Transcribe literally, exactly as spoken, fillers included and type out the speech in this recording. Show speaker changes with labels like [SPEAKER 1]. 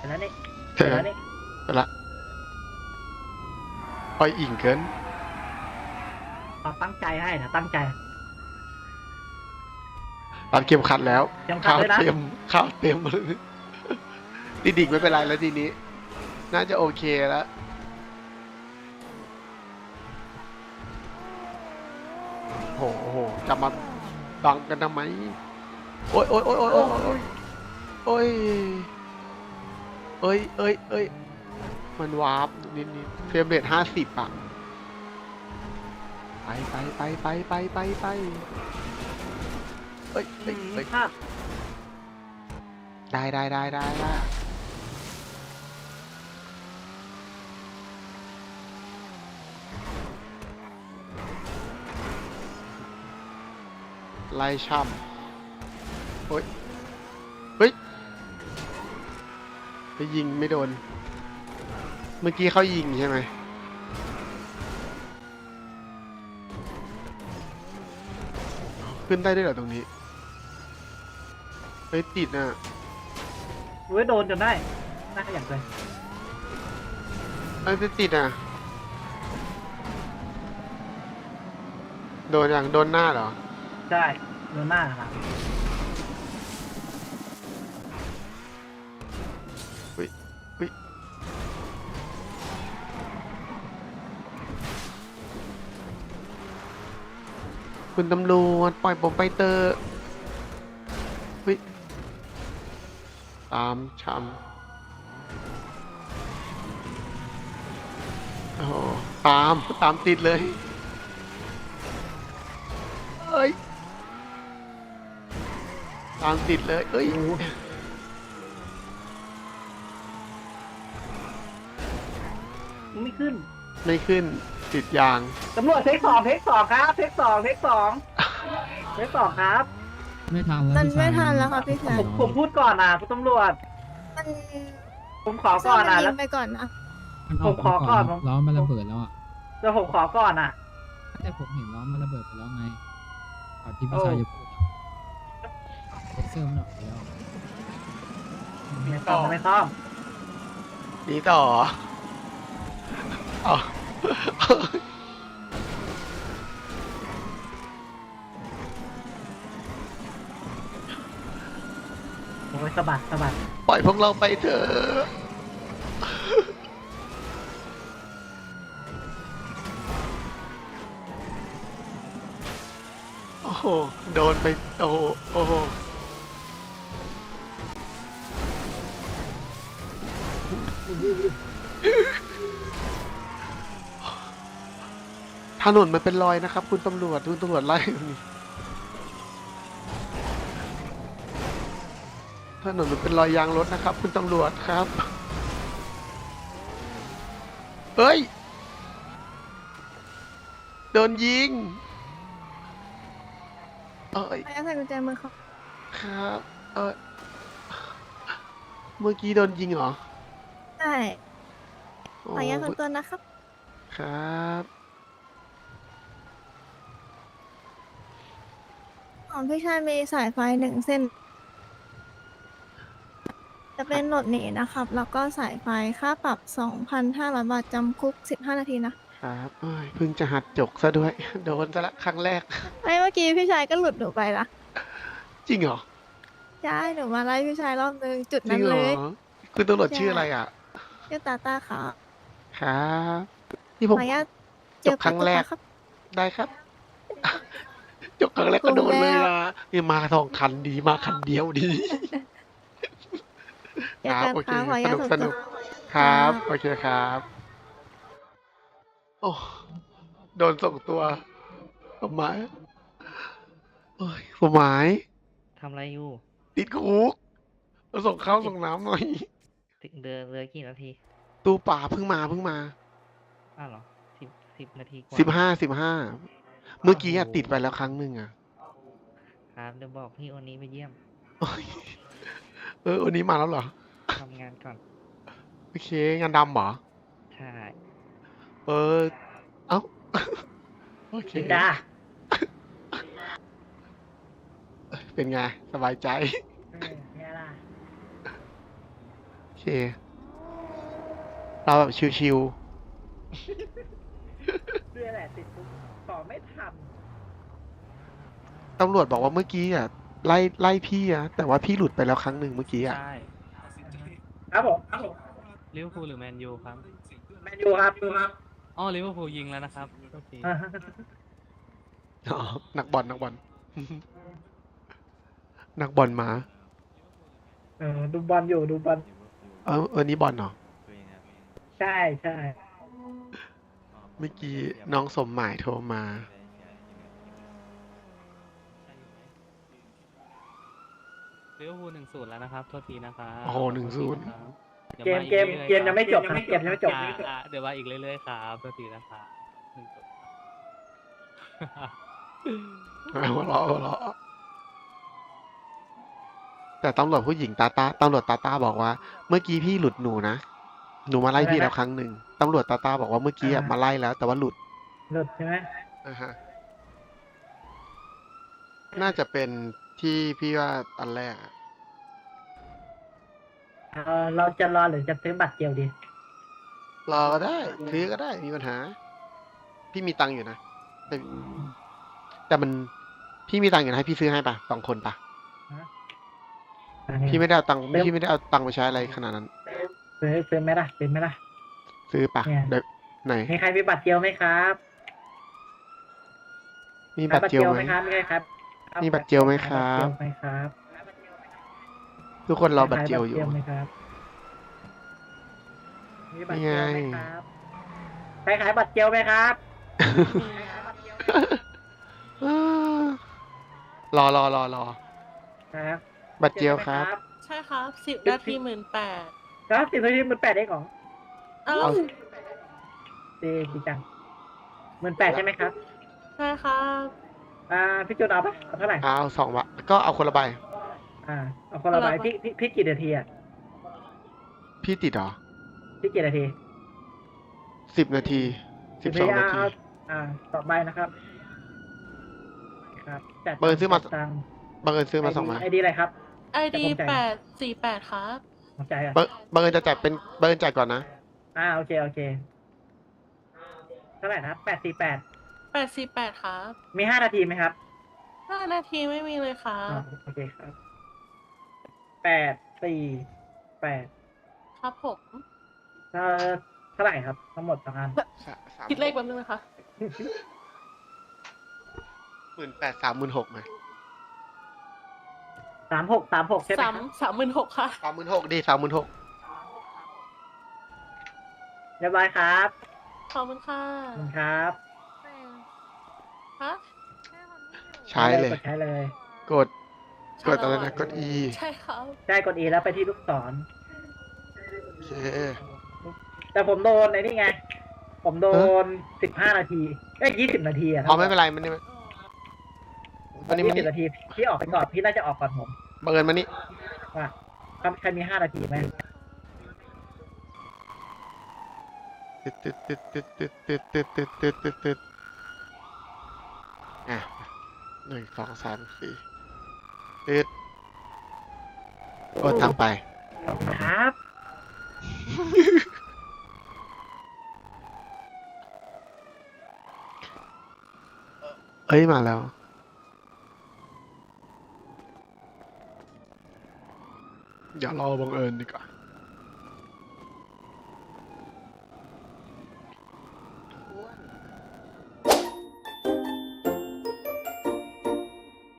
[SPEAKER 1] แล้วนี่
[SPEAKER 2] เสร็จ
[SPEAKER 1] แล้
[SPEAKER 2] แล้ว
[SPEAKER 1] วนี่
[SPEAKER 2] เสร็จละปล่อยอิ่งเกิน
[SPEAKER 1] เราตั้งใจให้นะตั้งใจ
[SPEAKER 2] รัดเข็มขัดแล้ว
[SPEAKER 1] เข็มขัด
[SPEAKER 2] ข้าว
[SPEAKER 1] ด้วยนะ
[SPEAKER 2] เต็มข้าวเต็มเลยดิดิกไม่เป็นไรแล้วทีนี้ น่าจะโอเคแล้วโอ้โหจะมาบังกันทำไมโอ้ยโอ้ยโอ้ยโอ้ยโอ้ยโอ้ยโอ้ยเอ้ยเอ้ยมันวาร์ปนิดนิดเฟรมเรทห้าสิบอ่ะไปไปไปไปไปไปไปเอ้ยเอ้ยเอ้ย
[SPEAKER 1] ภาพ
[SPEAKER 2] ได้ได้ได้ได้ได้ไล่ช่ำโอ้ยเฮ้ยไปยิงไม่โดน เมื่อกี้เขายิงใช่ไหมขึ้นได้ด้วยเหรอตรงนี้เฮ้ยติดน่ะ
[SPEAKER 1] เว้ยโดนจนได้น่าอย่างเลย
[SPEAKER 2] เอ้ยติดอ่ะโดนอย่างโดนหน้าเหรอ
[SPEAKER 1] ใช่โดนหน้าครับ
[SPEAKER 2] เฮ้ยเฮ้ยคุณตำรวจปล่อยผมไปเตอร์เฮ้ยตามช้ำโอ้โหตามตามติดเลยเอ้ยตามติดเลยเอ้ย
[SPEAKER 1] ไม่ขึ้น
[SPEAKER 2] ไม่ขึ้นติดยาง
[SPEAKER 1] ตำรวจเทคสองเทคสองครับเทคสองเทคสองเทคสองครับ
[SPEAKER 3] ไม่ทันแล้ว
[SPEAKER 4] มัน
[SPEAKER 3] พี่ชาย
[SPEAKER 4] ไม่ทันแล้วค่ะพี่ชาย
[SPEAKER 1] ผมผมพูดก่อนนะคุณตำรวจ
[SPEAKER 4] มัน
[SPEAKER 1] ผมขอก่อนนะ
[SPEAKER 4] มั
[SPEAKER 1] แล้
[SPEAKER 4] ยิ
[SPEAKER 1] ว
[SPEAKER 4] งไปก่อนนะ
[SPEAKER 3] มันออก
[SPEAKER 1] ผมขอก่อน
[SPEAKER 3] ล้อมันระเบิดแล้วอ่ะ
[SPEAKER 1] แล้วผมขอก่อนนะ
[SPEAKER 3] แต่ผมเห็นล้อมันระเบิดไปแล้วไงก่อนที่พี่
[SPEAKER 1] โอ้
[SPEAKER 3] ชายจะพูดเซ็นเซอร์มันออกไปแล้ว
[SPEAKER 1] ไม่ต้องไม่ต้อง
[SPEAKER 2] หนีต่ออ๋อ
[SPEAKER 1] โอ้ยสะบัดสะบัด
[SPEAKER 2] ปล่อยพวกเราไปเถอะโอ้โหโดนไปโอ้โหโอ้โหถนนมันเป็นรอยนะครับ คุณตำรวจคุณตำรวจไล่ตรงนี้ถนนมันเป็นรอยยางรถนะครับ คุณตำรวจครับเฮ้ยโดนยิงเอ้ย
[SPEAKER 4] ไปเอาใส่กุญแจมือเขา
[SPEAKER 2] ครับเออเมื่อกี้โดนยิงเหรอ
[SPEAKER 4] ใช่
[SPEAKER 2] โอ้
[SPEAKER 4] ขออนุญาตส่วนตัวนะครับ
[SPEAKER 2] ครับ
[SPEAKER 4] ของพี่ชายมีสายไฟหนึ่งเส้น จะเป็นโหลดหนีนะครับ แล้วก็สายไฟค่าปรับ สองพันห้าร้อย บาทจำคุก สิบห้า นาทีนะ
[SPEAKER 2] ครับเอ้ยเพิ่งจะหัดจกซะด้วย โดนซะละครั้งแรก
[SPEAKER 4] ไม่เมื่อกี้พี่ชายก็หลุดหนูไปละ
[SPEAKER 2] จริงเหรอ
[SPEAKER 4] ใช่หนูมาไล่พี่ชายรอบนึงจุด
[SPEAKER 2] จริ
[SPEAKER 4] นั้
[SPEAKER 2] ง
[SPEAKER 4] น
[SPEAKER 2] เหร
[SPEAKER 4] เล
[SPEAKER 2] อย คุณตำรวจชื่ออะไรอ่ะ
[SPEAKER 4] ชื่อตาตาค่ะ
[SPEAKER 2] ครับนี่
[SPEAKER 4] ข
[SPEAKER 2] ผ
[SPEAKER 4] อ
[SPEAKER 2] ม
[SPEAKER 4] อนุญาต
[SPEAKER 2] จบครั้งแรก
[SPEAKER 4] ครับ
[SPEAKER 2] ได้ครับ จบครั้งแรกก็โดนเลยอ่ะนี่มาสองคันดีมาคันเดียวดี
[SPEAKER 4] เจอกัน
[SPEAKER 2] โอเค
[SPEAKER 4] ค่ะขออนุ
[SPEAKER 2] ส
[SPEAKER 4] ญาต
[SPEAKER 2] นุก
[SPEAKER 4] ส่วน
[SPEAKER 2] ส
[SPEAKER 4] ตั
[SPEAKER 2] นุ
[SPEAKER 4] ว
[SPEAKER 2] กครับ
[SPEAKER 4] ครับ
[SPEAKER 2] โอเคครับ โอ้โดนส่งตัวผมหมายโอ้ยผมหมาย
[SPEAKER 1] ทำอะไรอยู่
[SPEAKER 2] ติดคุกมาส่งข้าวส่งน้ำหน่อย
[SPEAKER 1] ถึงเดือนเลยกี่นาที
[SPEAKER 2] ตู้ป่าเพิ่งมาเพิ่งมา
[SPEAKER 1] อ้าวเหรอสิบสิบนาทีกว่า
[SPEAKER 2] สิบห้าสิบห้าเมื่อกี้อะติดไปแล้วครั้งหนึ่งอะ
[SPEAKER 1] ครับเดี๋ยวบอกพี่โอนี้ไปเยี่ยม
[SPEAKER 2] โอ้ยเออวันนี้มาแล้วเหรอ
[SPEAKER 1] ทำงานก่อน
[SPEAKER 2] โอเค งานดำเหรอ
[SPEAKER 1] ใช่
[SPEAKER 2] เออ เอ้า โอเค
[SPEAKER 1] จินดา
[SPEAKER 2] เป็นไง สบายใจ
[SPEAKER 1] เออเนี่ยล่ะ
[SPEAKER 2] เค เราแบบชิว
[SPEAKER 1] เรื่องแหละติดคุกสอบไม่ทัน
[SPEAKER 2] ๆ ตำรวจบอกว่าเมื่อกี้อ่ะไล่ไล่พี่อะแต่ว่าพี่หลุดไปแล้วครั้งหนึ่งเมื่อกี้อ่ะ
[SPEAKER 5] ใช่
[SPEAKER 1] ครับผมครับผม
[SPEAKER 5] ลิเวอร์พูลหรือแมนยูครับ
[SPEAKER 1] แมนยูครับครับ
[SPEAKER 5] อ๋อลิเวอร์พูลยิงแล้วนะครับโอเค
[SPEAKER 1] อ่า
[SPEAKER 2] อ๋อ นักบอลนักบอล นักบอลมา
[SPEAKER 1] เออดูบอลอยู่ดูบอล
[SPEAKER 2] เออเออนี่บอลเหรอ
[SPEAKER 1] ใช่ใช่
[SPEAKER 2] เมื่อกี้น้องสมหมายโทรมา
[SPEAKER 5] ลิเวอร์พูลหนึ่งศูนย์แล้วนะครับโทษทีนะครับ
[SPEAKER 2] โอ้โหหนึ่งศูนย์
[SPEAKER 5] ดี๋ยว
[SPEAKER 1] เกม
[SPEAKER 5] าอี
[SPEAKER 1] เกม
[SPEAKER 5] รื่อๆ
[SPEAKER 1] เกมยังไม่จบ
[SPEAKER 5] ค
[SPEAKER 1] ค
[SPEAKER 5] รั
[SPEAKER 1] รับเกมยังไม่จบ
[SPEAKER 5] อ่าอ่าเดี๋ยวมาอีกเรื่อยๆครับโทษทีนะครับหนึ่งศูนย์
[SPEAKER 2] หัวเราะหัวเราะแต่ตำรวจผู้หญิงตาตาตำรวจตาตาบอกว่า เมื่อกี้พี่หลุดหนูนะ หนูมาไล่พี่แล้วครั้งหนึ่งตำรวจตาตาบอกว่าเมื่อกี้อะมาไล่แล้ว แต่ว่าหลุด
[SPEAKER 1] หลุดใช่ไหม
[SPEAKER 2] อ่าฮะ น่าจะเป็นที่พี่ว่าอันแรกอะ
[SPEAKER 1] เออเราจะรอหรือจะซื้อบัตรเดียวดี
[SPEAKER 2] รอก็ได้ซื้อก็ได้มีปัญหา พี่มีตังค์อยู่นะแต่แต่มันพี่มีตังค์อยู่นะให้พี่ซื้อให้ปะสองคนปะพี่ไม่ได้เอาตังค์พี่ไม่ได้เอาตังค์ไปใช้อะไรขนาดนั้น
[SPEAKER 1] ซื้อซื้อไหมล่ะซื้อไหมล่ะ
[SPEAKER 2] ซื้อปะ
[SPEAKER 1] เนี่ย
[SPEAKER 2] เดี๋ยวไหน
[SPEAKER 1] มีใครมีบัตรเดียวไหมครับ
[SPEAKER 2] มีบัตรเจลไหม
[SPEAKER 1] ครับมีใครครับ
[SPEAKER 2] มีบัตรเจลไหมครับ
[SPEAKER 1] บัตเจลไหมครับ
[SPEAKER 2] ทุกคนรอบัตรเจลอยู่
[SPEAKER 1] มีใครบัตรเจลไหมครับมีบัตรเจลไหมครับใครขายบัตรเจลไหมครับใครขายบัตรเจลไหม
[SPEAKER 2] รอรอรอรอ
[SPEAKER 1] ครับ
[SPEAKER 2] บัตรเจลครับ
[SPEAKER 6] ใช่ครับสิบนาทีหมื่นแปด
[SPEAKER 1] ครับสิบนาทีหมื่นแปดเองเหรอ
[SPEAKER 6] อ้า
[SPEAKER 2] เอา
[SPEAKER 6] ว
[SPEAKER 1] ดีดีจังหมื่นแปดใช่ไหมครับ
[SPEAKER 6] ใช่ครับ
[SPEAKER 1] อ่าพี่จุนเอาปะเอาเท่าไหร่
[SPEAKER 2] เอาสองบาทก็เอาคนละใบ
[SPEAKER 1] อ่าเอาคนละใบพี่พี่พี่กี่นาทีอ่ะ
[SPEAKER 2] พี่ติดเหรอ
[SPEAKER 1] พี่กี่นาที
[SPEAKER 2] สิบนาทีสิบสองนาที
[SPEAKER 1] เออ่าต่อใบนะครับ ครับจัด
[SPEAKER 2] เบอร์ซื้อมา
[SPEAKER 1] จัดตังค์
[SPEAKER 2] บังเอิญซื้อมาสองใบ
[SPEAKER 1] ไอดีอะไรครับ
[SPEAKER 6] ไอดี
[SPEAKER 1] แต่ผมจ่าย
[SPEAKER 6] แปดสี่แปดครับ
[SPEAKER 1] หัวใจอ่ะ
[SPEAKER 2] บังบังเอิญจะจ่ายเป็นบังเอิญจ่ายก่อนนะ
[SPEAKER 1] อ่าโอเคโอเคเท่าไหร่นะครับแปดสี่แปด
[SPEAKER 6] แปดสี่แปดครับ
[SPEAKER 1] มีห้านาทีไหมครับ
[SPEAKER 6] ห้านาทีไม่มีเลยครั
[SPEAKER 1] อ่า
[SPEAKER 6] บ
[SPEAKER 1] โอเคครับแปดสี่แปด
[SPEAKER 6] ครับผม
[SPEAKER 1] เอ่อเท่าไหร่ครับ ทั้งหมดสองอัน
[SPEAKER 6] คิดเลขแป๊บนึงนะคะ
[SPEAKER 2] หมื่นแปดสามหมื่นหกไหม
[SPEAKER 1] สามหกสามหกใช่ไหมค
[SPEAKER 6] สา
[SPEAKER 1] รั
[SPEAKER 6] ม
[SPEAKER 1] บ
[SPEAKER 6] สามหมื่นหกค่ะ
[SPEAKER 2] สามหมื่นหกดีสามหมื่นหก
[SPEAKER 1] เรียบร้อยครับ
[SPEAKER 6] ขอบคุณค่ะ
[SPEAKER 1] ขอบคุณครับ
[SPEAKER 6] ฮะ
[SPEAKER 2] ใช้เลย
[SPEAKER 1] กดใช้เลย
[SPEAKER 2] กด กดอะไรนะ กด E
[SPEAKER 6] ใช่ครับ
[SPEAKER 1] ใช่กด E แล้วไปที่ลูกศร
[SPEAKER 2] โอเค
[SPEAKER 1] แต่ผมโดนไอ้นี่ไง ผมโดนสิบห้านาทีเอ้ยยี่สิบนาทีอะ
[SPEAKER 2] เอาไม่เป็นไรมันนี่มันนี่มัน
[SPEAKER 1] ยี่สิ
[SPEAKER 2] นี่
[SPEAKER 1] บนาทีพี่ออกไปก่อนพี่น่าจะออกก่อนผม
[SPEAKER 2] บังเอิญมันนี่
[SPEAKER 1] ว่าใครมีห้านาทีไหม
[SPEAKER 2] ติดติดติดติดติดติดติดติดติดติดติดอ่ะหนึ่งสองสามสี่ติดโอ้ทำไป
[SPEAKER 1] ครับ
[SPEAKER 2] เอ้ย มาแล้ว อย่ารอบังเอิญดีกว่า